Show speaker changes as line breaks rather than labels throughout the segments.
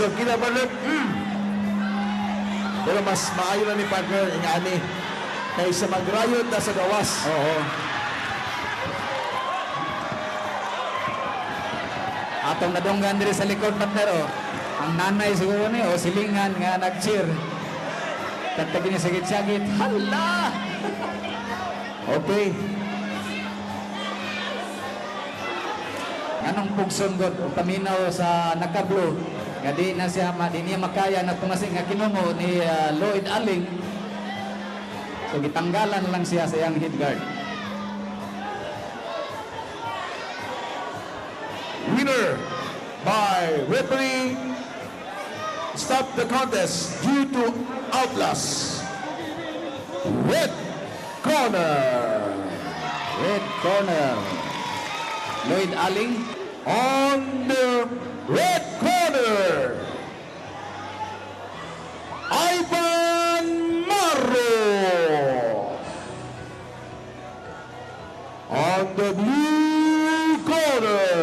So, kinabalot, pero mas maayo na ni partner, ingani, kaysa magrayot na sa gawas.
Oo. Atong nadunggan diri sa likod partner oh. Ang nanay siguro ni o silingan nga nag-cheer. Tatagi ni sagit-sagit. Hala!
Okay.
Anong pugson god o paminaw sa nakablo nga di na siya di niya makaya na tumasing nga kinungo ni Lloyd Aling. So gitanggalan lang siya sa iyang head guard.
Winner by referee stop the contest due to outlast. Red corner.
Red corner. Lloyd Aling.
On the red corner, Ivan Marro. On the blue corner,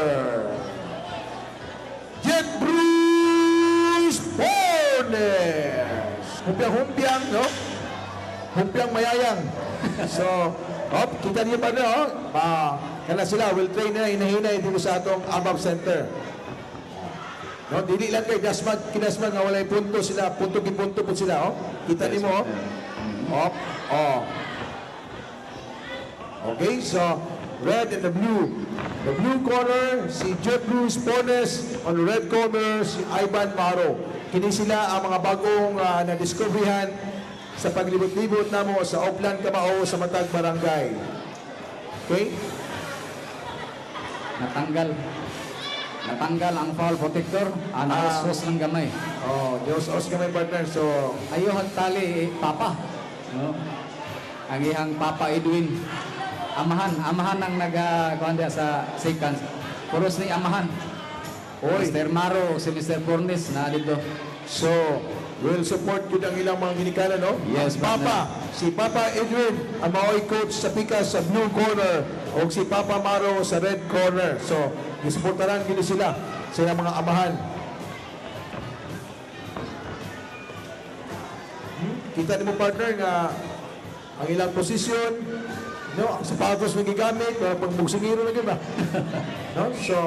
Jet Bruce Bornes. Humpiang-humpiang, no? Humpiang mayayang. So, kita niyo pa na, kana sila, will train na hinahinay dito sa atong ABAP Center. No, dili lang kay kinasmag nga walay punto sila, punto po sila, Kita nimo, Okay, so red and the blue. The blue corner, si Jeff Bruce Pones. On the red corner, si Ivan Maro. Kini sila ang mga bagong na-discoveryhan sa paglibot-libot namo sa Oplan Kamao sa Matag Barangay. Okay?
Natanggal ang foul protector. Naos ng gamay.
Diyos kamay partner. So,
Ayuhan tali Papa. No? Ang ihang Papa Edwin. Amahan ang nag-kuhanda sa seconds. Puros ni amahan. Mr. Maro, si Mr. Fornes na dito.
So, will support yun ang ilang mga ginikanan, no?
Yes,
si Papa Edwin, ang maoy coach sa Pikas sa blue corner, o si Papa Maro sa red corner. So, isuportaran gini sila sa ilang mga amahan. Kita ni mo partner nga ang ilang posisyon, no? Ang sapatos na gigamit, pagbugsingiro na ba? No?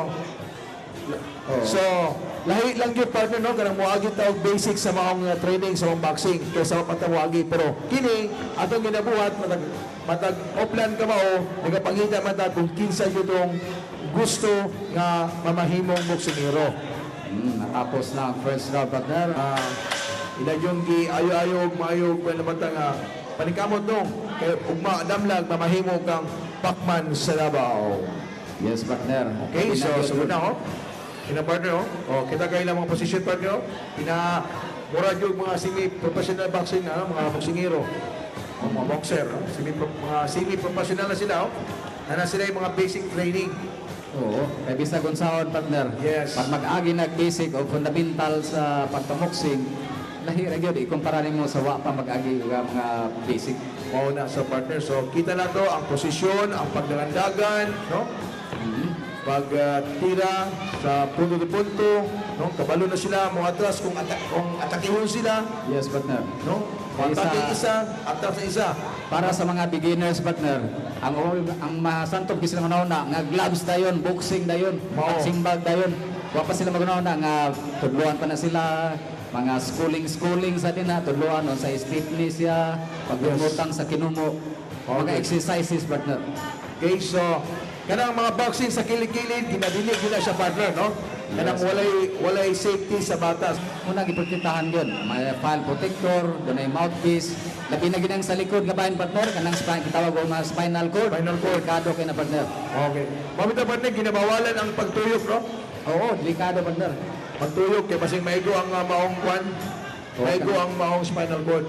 So, lahi lang yun partner, no? Kanang muagi tawag basic sa mga training sa mga boxing kaysa mapatawagi. Pero kini, atong ginabuhat, matag Oplan Kamao, nagapangita matag kung kinsa yun itong gusto nga mamahimong boksingero.
Natapos na ang first round partner.
Ila yung ayo-ayog, maayog, namatang panikamot nung kay ugma damlag mamahimong kang Pacman sa Davao.
Yes, partner.
Okay, so sunod na, Kina partner, kita kayo lang mga position partner, mura yung mga semi-professional boxing na, mga boksingero, mga boxer, mga semi-professional na sila, na sila yung mga basic training.
Oo, kay bisa kung saan partner.
Yes.
Pag mag-agi nag-basic o fundamental sa pagpamoksing, lahira yun, ikumpara mo sa wa pa mag-agi mga basic.
Oo na, so partner, so kita na to ang posisyon, ang pagdagandagan, no? Pag-tira sa punto-to-punto, no? Kabalo na sila, mga atras, kung atakihon sila,
Yes, partner.
no? Atake isa, atras sa isa.
Para sa mga beginners, partner, ang masantog sila manauna, nga gloves dayon, boxing dayon, simbag dayon. Wa pa sila magunauna, nga tudluan pa na sila, mga schooling sa din na, tudluan sa stiffness siya, paglumutang sa kinumo, mga exercises, partner.
Okay, so, kanang mga boxing sa kilid-kilid, dinadinig nila siya partner, no? Kanang walay safety sa batas.
Muna giprotektahan yun. May file protector, doon ay mouthpiece. Labi na ginang sa likod nga bayan partner, kanang kitawag o mga spinal cord.
Spinal cord.
Delikado kayo na partner.
Okay. Mamita partner, ginabawalan ang pagtuyok, no?
Oo, delikado partner.
Pagtuyok, kaya pasing maigo ang maong kwan, maigo ang maong spinal cord.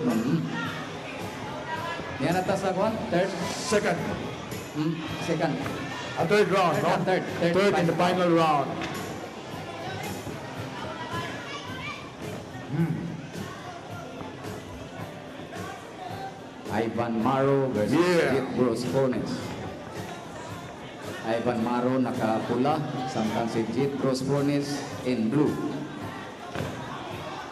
Yan ata sa kwan, third?
Second.
Second.
A third round, no?
Third
in the final round.
Ivan Maro versus Bruce Fornes. Ivan Maro nakapula, samtang si Jet Bruce Fornes in blue.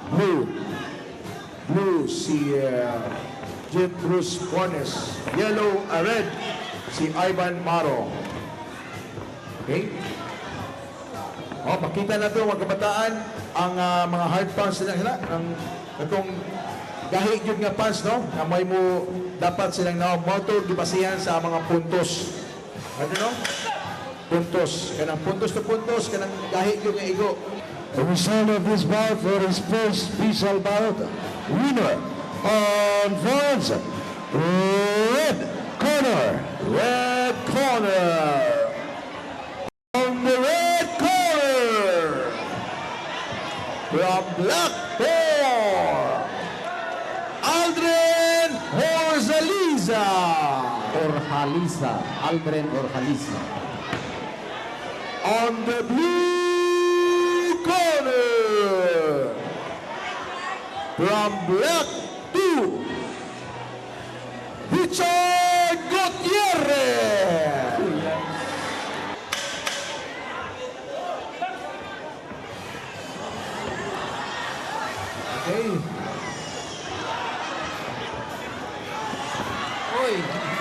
Blue. Blue si Jet Bruce Bornes. Yellow, red si Ivan Maro. Okay? Oh, makita na ito mga kabataan ang mga hard pants nila. Ang itong gahi yun nga pants, no? Na may mo dapat silang motor gibasihan sa mga puntos. Ano no? Puntos. Kanang puntos to puntos, kanang gahi yun nga igo.
The result of this bout for his first special bout, winner on France, red corner.
Red corner. On the red corner. From Black Four. Aldrin Horzaliza.
Orhaliza, Aldrin Orhaliza.
On the blue corner. From Black 2. Richard Gutierrez. Okay.
Uy!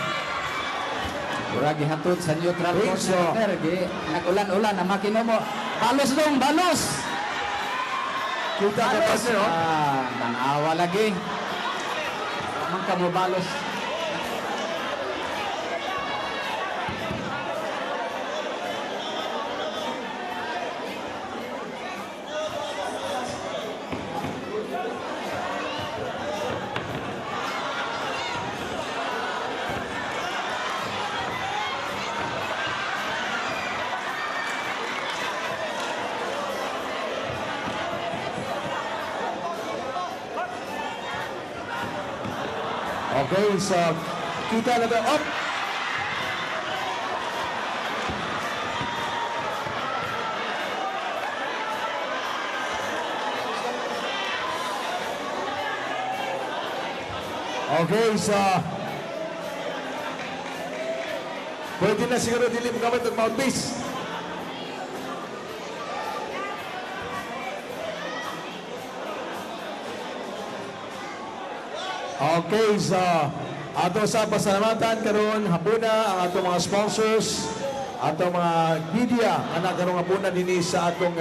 Murag gihatod sa neutral
Uy,
court
so-
sa Peter. Nag-ulan-ulan ang makino mo. Balos dong, balos!
Kita ka pa sir, oh.
Nanawa lagi. Amang ka mo balos.
Okay, so kita na ba? Up! Okay, so pwede na siguro dili mo gamit ang mouthpiece. Okay, so ato sa pasalamatan karon hapuna ang atong mga sponsors, atong mga media ana karon hapuna dinhi sa atong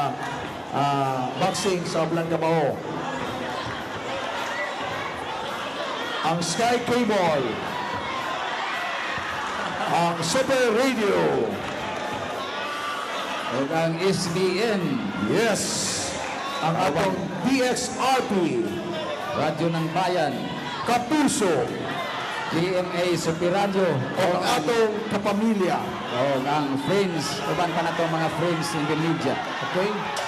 boxing sa Oblan Camao. Ang Sky Cable, ang Super Radio,
O ang SBN,
yes, ang atong DXRP,
Radyo ng Bayan,
Kapuso,
GMA Super Radio,
o ang atong kapamilya.
o ang Friends, uban pa na to mga Friends in the media.
Okay?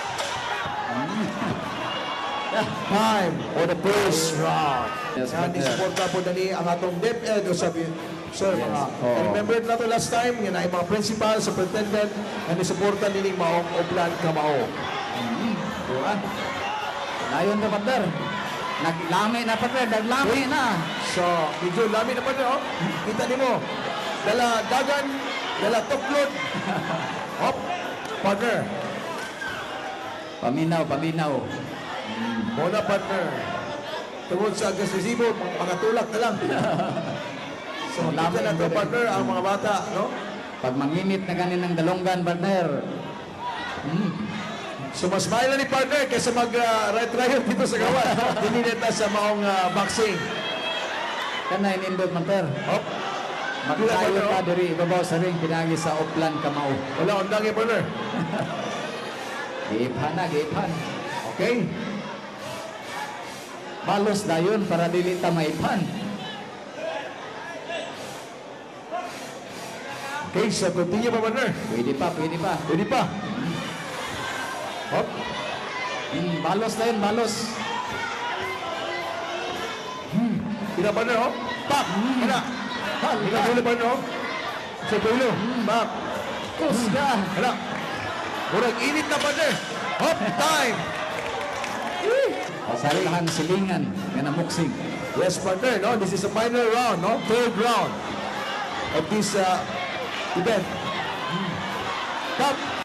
Time for the first round.
Yes,
Yan,
partner.
isuporta po na ni ang atong DepEd o sabi, sir, mga,
Oo.
remember na to last time, yan ay mga principal, superintendent, na isuporta nini Maong Oblan Camao.
Diba? Layon na partner. Naglami na partner, naglami na.
So, medyo lami na pa rin, oh. Kita ni mo, dala dagan, dala tuklod. Hop, partner.
Paminaw, paminaw.
Muna, partner. Tungod sa agresibo, mga tulak na lang. So, kita na to, partner, ang mga bata, no?
Pag manginit na ganin ng dalonggan partner.
So, mas mahal na ni partner kaysa mag-right trial dito sa gawan. Hindi neta sa maong boxing.
Kana inindot partner.
Hop.
Magkayo ka diri ibabaw sa ring pinagi sa Oplan Kamao.
Wala, undang yung partner.
Giiphan na, giiphan.
Okay?
Balos dayon para dili ta maiphan.
Okay, so continue pa, partner.
Pwede pa, pwede pa.
Pwede pa. Hop.
Balos dayon, balos.
Kita, partner, hop. Pak. Kena. Kita dulu, partner, hop. Sa dulo. Pak.
Kusga.
Kena. Murag init na, partner. Hop, time.
Pasarihan silingan nga muksing.
Yes, partner, no? This is a final round, no? Third round of this event. Top.